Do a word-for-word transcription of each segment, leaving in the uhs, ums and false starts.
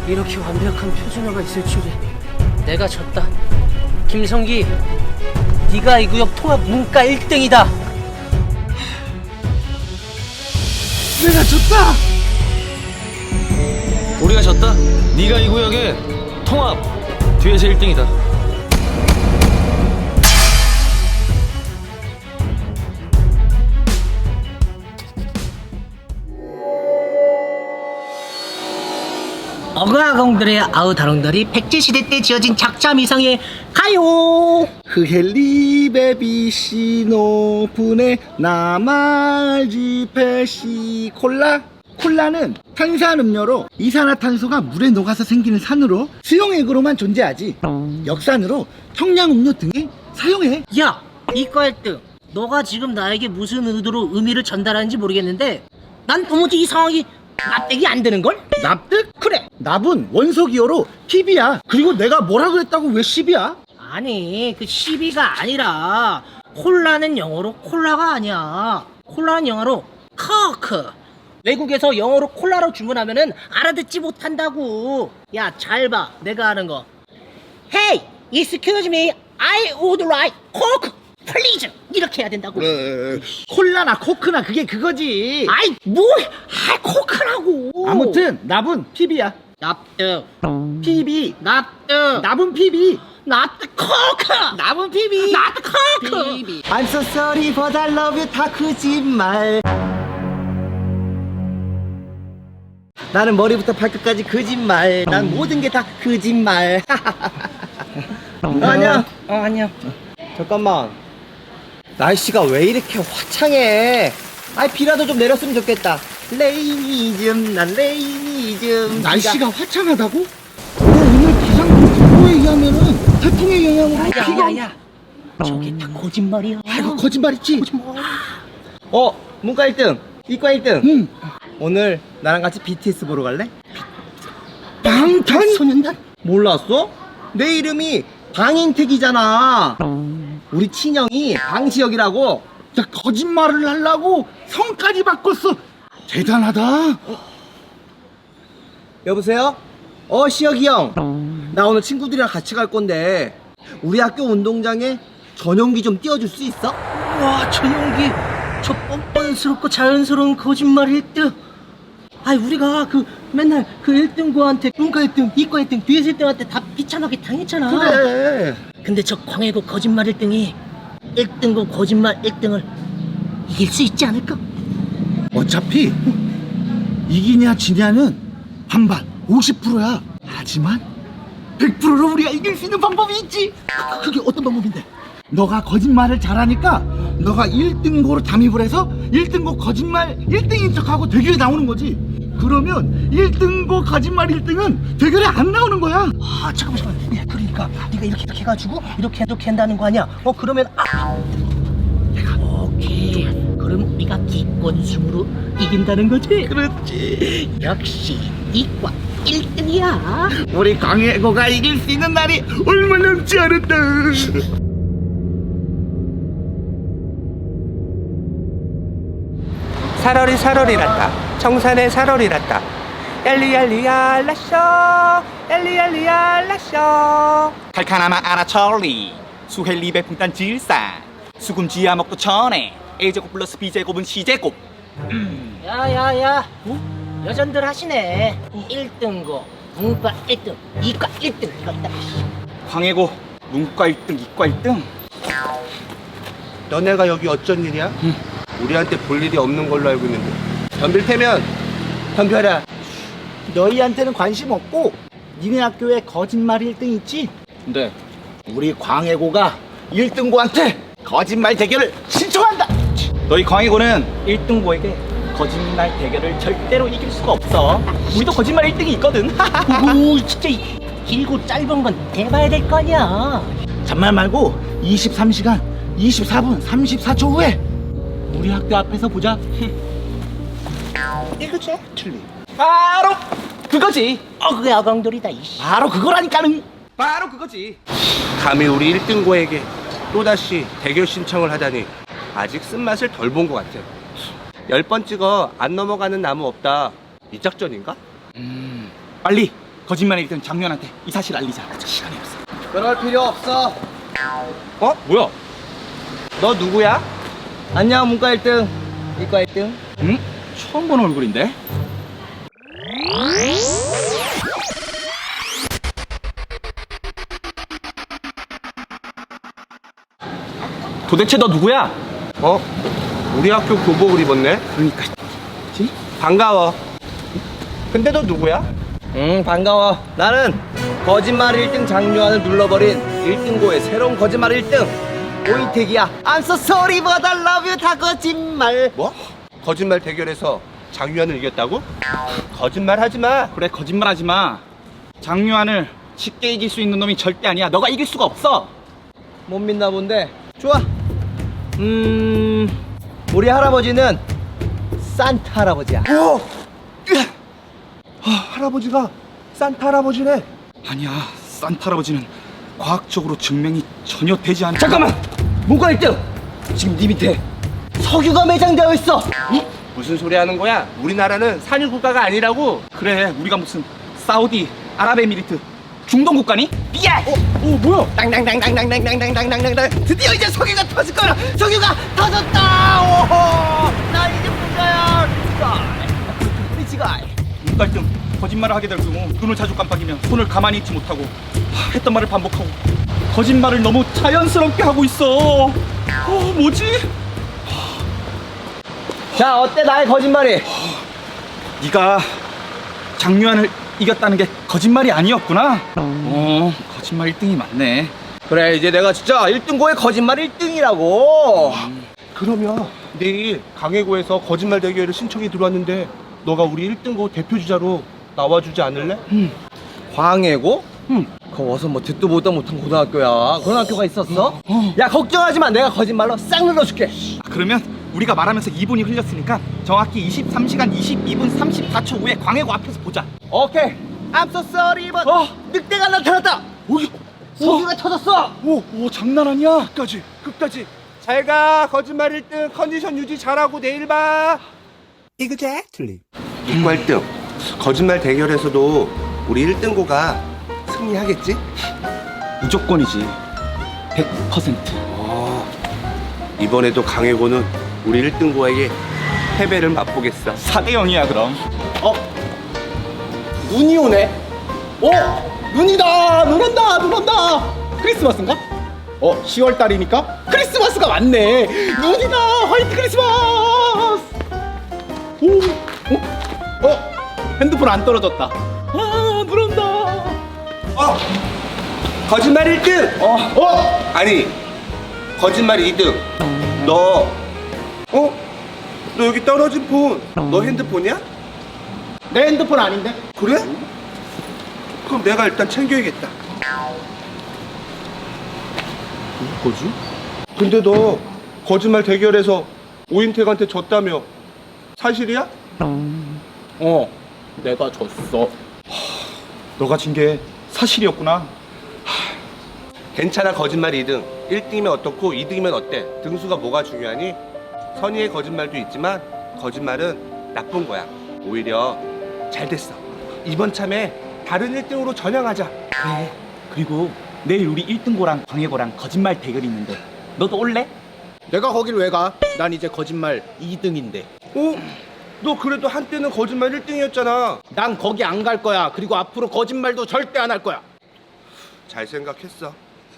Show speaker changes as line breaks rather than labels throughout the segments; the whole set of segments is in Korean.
이렇게 완벽한 표준어가 있을 줄이. 내가 졌다. 김성기, 네가 이 구역 통합 문과 일 등이다.
내가 졌다.
우리가 졌다. 네가 이 구역의 통합 뒤에서 일 등이다.
어가공들의 아우다롱들이 백제시대 때 지어진 작자미상의 가요.
흐헬리 베비시 노분의 나말지 페시 콜라. 콜라는 탄산음료로 이산화탄소가 물에 녹아서 생기는 산으로 수용액으로만 존재하지 역산으로 청량음료 등에 사용해.
야, 이과 일 등, 너가 지금 나에게 무슨 의도로 의미를 전달하는지 모르겠는데 난 도무지 이 상황이 납득이 안 되는걸?
납득?
그래.
납은 원소기호로 피비야. 그리고 내가 뭐라 그랬다고 왜 십이야?
아니, 그 십이가 아니라 콜라는 영어로 콜라가 아니야. 콜라는 영어로 커크. 외국에서 영어로 콜라로 주문하면은 알아듣지 못한다고. 야, 잘 봐. 내가 하는 거. Hey, excuse me. I would like coke, please. 이렇게 해야 된다고.
에, 콜라나 코크나 그게 그거지.
아이, 뭘? 아, 코크라고.
아무튼 납은 피비야.
납득.
피비.
납득.
납은 피비.
납득. 코크.
납은 피비.
납득. 코크.
피비. I'm so sorry but I love you 다 거짓말. 나는 머리부터 발끝까지 거짓말. 난 모든 게 다 거짓말. 어, 안녕.
어, 안녕.
잠깐만. 날씨가 왜 이렇게 화창해? 아이 비라도 좀 내렸으면 좋겠다. 레이니즘, 난 레이니즘. 날씨가 화창하다고? 오늘 기상청 정보에 의하면은 태풍의 영향으로
야,
비가.
야, 야. 저게 다 거짓말이야.
아이고 거짓말이지.
거짓말.
어, 문과 일 등, 이과 일 등.
응.
오늘 나랑 같이 비티에스 보러 갈래?
방탄
소년단?
몰랐어? 내 이름이 방인택이잖아. 우리 친형이 방시혁이라고.
야, 거짓말을 하려고 성까지 바꿨어. 대단하다.
여보세요? 어, 시혁이 형. 나 오늘 친구들이랑 같이 갈 건데 우리 학교 운동장에 전용기 좀 띄워줄 수 있어?
와, 저 연기. 저 뻔뻔스럽고 자연스러운 거짓말 일 등. 아이, 우리가 그 맨날 그 일 등고한테 문과 일 등, 이과 일 등, 뒤에서 일 등한테 다 비참하게 당했잖아.
그래.
근데 저 광해고 거짓말 일 등이 일 등고 거짓말 일 등을 이길 수 있지 않을까?
어차피 이기냐 지냐는 반반 오십 퍼센트야. 하지만 백 퍼센트로 우리가 이길 수 있는 방법이 있지. 그- 그게 어떤 방법인데? 너가 거짓말을 잘하니까 너가 일 등고로 담입을 해서 일 등고 거짓말 일 등인 척하고 대결에 나오는 거지. 그러면 일 등고 거짓말 일 등은 대결에 안 나오는 거야.
아, 잠깐만, 잠깐만. 야, 그러니까 네가 이렇게 이렇게 해가지고 이렇게 이렇게 한다는 거 아니야? 어, 그러면 아, 내가 오케이. 그럼 우리가 기권승으로 이긴다는 거지?
그렇지.
역시 이과 일 등이야.
우리 광해고가 이길 수 있는 날이 얼마 남지 않았다.
살얼이 살얼이 났다. 청산에 살얼이 났다. 엘리엘리야 라쇼 엘리엘리야 라쇼.
칼카나마 아나철리 수헬리 배풍단 질산 수금 지하 먹고 전에 A제곱 플러스 B제곱은 C제곱.
야야야, 어? 여전들 하시네. 일 등고 문과 일 등, 이과 일 등. 이거 딱.
광해고 문과 일 등 이과 일 등.
너네가 여기 어쩐 일이야? 우리한테 볼 일이 없는 걸로 알고 있는데. 덤빌테면 덤벼라.
너희한테는 관심 없고 니네 학교에 거짓말 일 등 있지?
네.
우리 광해고가 일 등고한테 거짓말 대결을 신청한다.
너희 광해고는 일 등고에게 거짓말 대결을 절대로 이길 수가 없어. 우리도 거짓말 일 등이 있거든.
오, 진짜 이 길고 짧은 건 대봐야 될 거 아니야.
잔말 말고 이십삼 시간 이십사 분 삼십사 초 후에 우리 학교 앞에서 보자.
이거지?
틀리.
바로 그거지.
어, 그게 아강돌이다. 이씨.
바로 그거라니까는.
바로 그거지.
감히 우리 일 등고에게 또다시 대결 신청을 하다니 아직 쓴맛을 덜 본 것 같아. 열 번 찍어 안 넘어가는 나무 없다. 이 작전인가?
빨리 거짓말 일 등 장유한한테 이 사실 알리자. 시간이 없어.
그럴 필요 없어.
어? 뭐야?
너 누구야? 안녕 문과 일 등, 이과 일 등.
응? 처음 보는 얼굴인데? 도대체 너 누구야?
어? 우리 학교 교복을 입었네?
그러니까
반가워. 근데 너 누구야?
응 반가워. 나는 거짓말 일 등 장유한을 눌러버린 일 등고의 새로운 거짓말 일 등 오인택이야. I'm so sorry but I love you 다 거짓말.
뭐? 거짓말 대결에서 장유한을 이겼다고? 거짓말 하지 마.
그래 거짓말하지 마. 장유한을 쉽게 이길 수 있는 놈이 절대 아니야. 너가 이길 수가 없어.
못 믿나 본데. 좋아. 음 우리 할아버지는 산타 할아버지야.
오! 아, 할아버지가 산타 할아버지네.
아니야. 산타 할아버지는 과학적으로 증명이 전혀 되지 않아.
잠깐만. 문과 일 등 지금 네 밑에 석유가 매장되어 있어.
무슨 소리 하는 거야? 우리나라는 산유 국가가 아니라고.
그래 우리가 무슨 사우디 아랍에미리트 중동 국가니?
야! 어, 어 뭐야? 땅땅땅땅땅땅땅땅땅땅 드디어 이제 석유가 터질 거야. 석유가 터졌다. 오호! 나 이제 문과야. 리치가이.
문과 일 등 거짓말을 하게 될 경우 눈을 자주 깜빡이면 손을 가만히 있지 못하고 하, 했던 말을 반복하고 거짓말을 너무 자연스럽게 하고 있어. 어 뭐지?
자 어때 나의 거짓말이?
네가 장유한을 이겼다는 게 거짓말이 아니었구나. 어 거짓말 일 등이 맞네.
그래 이제 내가 진짜 일 등고의 거짓말 일 등이라고.
그러면 내일 강해고에서 거짓말 대결에 신청이 들어왔는데 너가 우리 일 등고 대표 주자로 나와주지 않을래?
광해고? 응. 그 어서 뭐 듣도 보도 못한 고등학교야. 그런 학교가 있었어? 야 걱정하지 마. 내가 거짓말로 싹 눌러줄게.
아, 그러면 우리가 말하면서 이 분이 흘렸으니까 정확히 이십삼 시간 이십이 분 삼십사 초 후에 광해고 앞에서 보자.
오케이. I'm so sorry but
어.
늑대가 나타났다.
오이,
석유가 터졌어.
오, 오 장난 아니야.
끝까지 끝까지 잘 가. 거짓말 일 등 컨디션 유지 잘하고 내일 봐. Exactly. 이과 일 등 거짓말 대결에서도 우리 일 등고가 승리하겠지?
무조건이지. 백 퍼센트.
어, 이번에도 강해고는 우리 일 등고에게 패배를 맛보겠어.
사 대 영이야 그럼.
어? 눈이 오네. 어? 눈이다. 눈 온다. 눈 온다. 크리스마스인가? 어? 시월 달이니까 크리스마스가 왔네. 눈이다. 화이트 크리스마스. 오. 어? 어? 핸드폰 안 떨어졌다. 아, 눈 온다.
어! 거짓말 일 등!
어? 어?
아니, 거짓말 이 등. 너, 어? 너 여기 떨어진 폰, 너 핸드폰이야?
내 핸드폰 아닌데?
그래? 그럼 내가 일단 챙겨야겠다.
뭐지?
근데 너 거짓말 대결에서 오인택한테 졌다며 사실이야?
어. 내가 졌어.
너가 진 게 사실이었구나.
괜찮아. 거짓말 이 등. 일 등이면 어떻고 이 등이면 어때? 등수가 뭐가 중요하니? 선의의 거짓말도 있지만 거짓말은 나쁜 거야. 오히려 잘 됐어. 이번 참에 다른 일 등으로 전향하자.
그래. 그리고 내일 우리 일 등고랑 광해고랑 거짓말 대결이 있는데 너도 올래?
내가 거길 왜 가? 난 이제 거짓말 이 등인데.
어? 너 그래도 한때는 거짓말 일 등이었잖아.
난 거기 안 갈 거야. 그리고 앞으로 거짓말도 절대 안 할 거야.
잘 생각했어.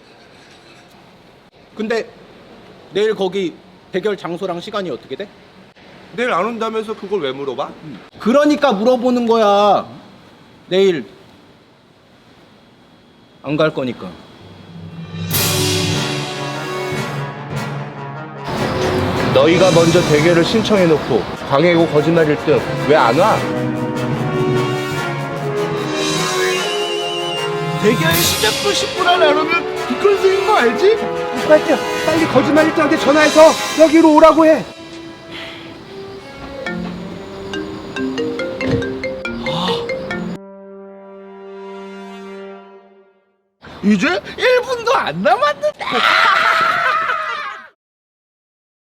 근데 내일 거기 대결 장소랑 시간이 어떻게 돼?
내일 안 온다면서 그걸 왜 물어봐?
그러니까 물어보는 거야. 내일 안 갈 거니까.
너희가 먼저 대결을 신청해놓고 광해고 거짓말 일 등 왜 안 와?
대결 시작도 십 분 안에 안 오면 뒷걸음인 거 알지?
빨리 빨리 거짓말 일 등한테 전화해서 여기로 오라고 해.
이제 일 분도 안 남았는데.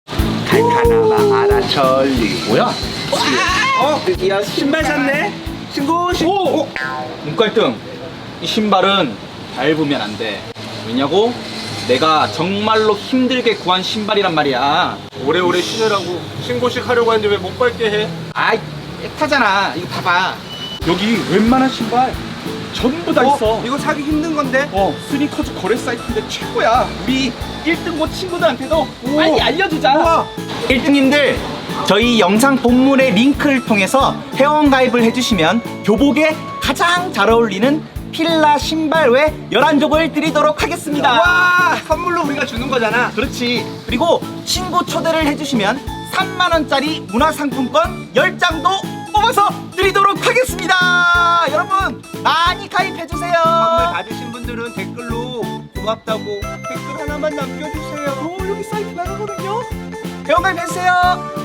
칼카나마 아라철리.
뭐야?
어? 야 신발 샀네?
신고 신.
오! 눈깔등, 이 신발은 밟으면 안 돼. 왜냐고? 내가 정말로 힘들게 구한 신발이란 말이야.
오래오래 신으라고 신고식 하려고 하는데 왜 못 밟게 해?
아이, 액타잖아. 이거 봐봐. 여기 웬만한 신발 전부 다 있어.
이거 사기 힘든 건데.
어, 스니커즈 거래 사이트인데 최고야. 우리 일 등고 친구들한테도 빨리 알려주자.
일 등님들, 저희 영상 본문의 링크를 통해서 회원 가입을 해주시면 교복에 가장 잘 어울리는 필라 신발 외 열한 족을 드리도록 하겠습니다. 와, 선물로 우리가 주는 거잖아. 그렇지. 그리고 친구 초대를 해주시면 삼만 원짜리 문화상품권 열 장도 뽑아서 드리도록 하겠습니다. 여러분 많이 가입해주세요. 선물 받으신 분들은 댓글로 고맙다고 댓글 하나만 남겨주세요. 어, 여기 사이트 나가거든요. 회원 가입해주세요.